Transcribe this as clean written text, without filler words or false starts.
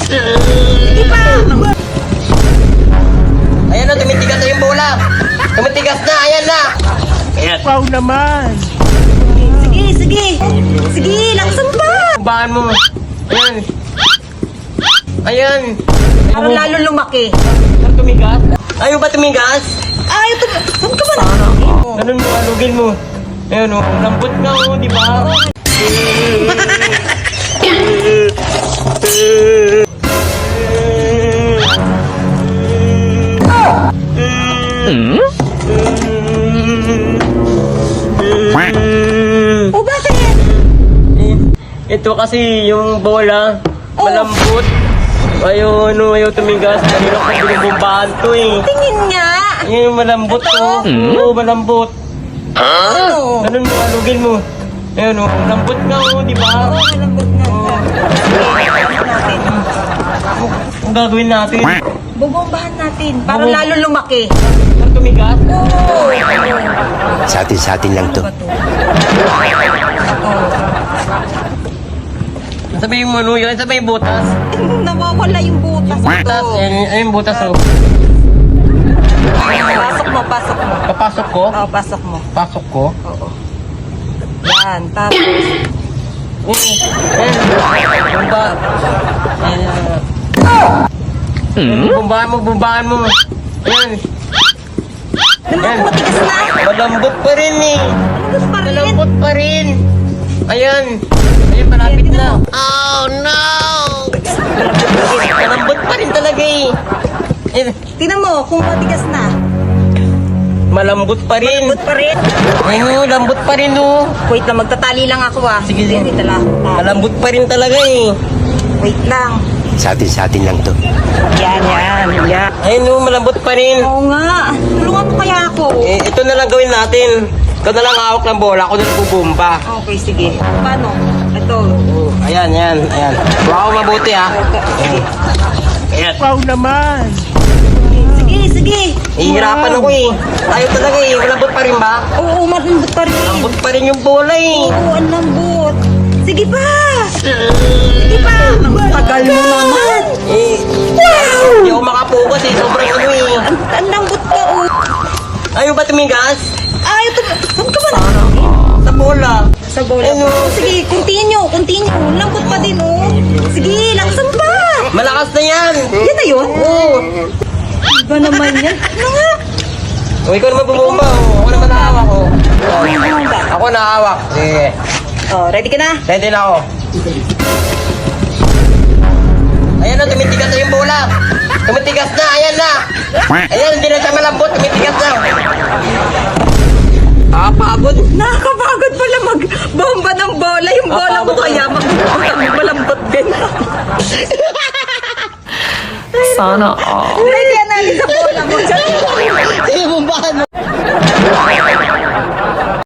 Sige pa! Ayan na, tumitigas na yung bola. Tumitigas na, ayan na. Ayan. Wow naman! Sige, sige! Sige, laksan pa! Bahan mo. Ayan. Ayan. Parang lalo lumaki. Saan tumigas? Ayaw ba tumigas? Ay, ito, saan ka ba na? Ganun mo, alugin mo. Ayan o, lambot na o, di ba? O bakit? Ito kasi yung bola, malambot. Ayaw, ayaw tumigas. Kanina ko binubumbahan to eh. Tingin nga! Yan yung malambot to. Oo, malambot. Ano? Ganun mo, alugin mo. Ayan o, lambot na o, di ba? Oo, malambot nga. Ang gagawin natin? Bubombahan natin. Para lalo lumaki. Saan tumigas? Oo. Sa atin lang to. Sabi yung ano yun, sabi yung butas. Nawawala yung butas. Butas, ayun yung butas o. Pasok mo, pasok mo. Papasok ko? Oo, pasok mo. Pasok ko? Oo. Yan, tapos. Ayan, bumba. Bumbahan mo. Ayan. Ayan. Matigas na. Malambot pa rin eh. Malambot pa rin. Malambot pa rin. Ayan. Ayan, malapit na. Malambot pa rin talaga eh. Ayan. Tingnan mo kung matigas na. Malambot pa rin. Malambot pa rin. Ayun, lambot pa rin oh. Wait lang, magtatali lang ako ah. Sige, sige. Dito lang. Malambot pa rin talaga eh. Wait lang. Sa atin lang to. Yan. Ayun oh, malambot pa rin. Oo nga. Tulungan mo kaya ako. Ito na lang gawin natin. Ikaw na lang hawak ng bola, ako na lang bubumba. Okay, sige. Paano? Ito. Ayan. Huwag ako mabuti ha. Sige. Ayan. Wow naman! Sige. Ihirapan ako eh. Ayaw talaga eh. Malambot pa rin ba? Oo, malambot pa rin. Malambot pa rin yung bola eh. Oo, ang lambot. Sige pa. Sige pa. Tagal mo naman. Hindi ako makapokus eh. Sobrang ano eh. Ang lambot ka oh. Ayaw ba tumigas? Ay, ito. Saan ka ba na? Sa bola. Sa bola. Ano? Sige, continue. Lambot pa din oh. Sige, laksan pa. Malakas na yan. Yan na yun? Oo. Iba naman yan. Ano nga? O, ikaw naman bumumba. Oh. Ako naman nahawak oh. Ako nahawak. Sige. Oh, ready ka na? Ready na ako. Ayan na, tumitigas na yung bola. Tumitigas na, ayan na. Ayan, hindi na siya malambot, tumitigas na. Nakapagod. Nakakapagod pala mag-bomba ng bola. Yung bola mo kaya malambot din. Sana all. Ready ka na sa bola mo. Sige, bumbahan mo.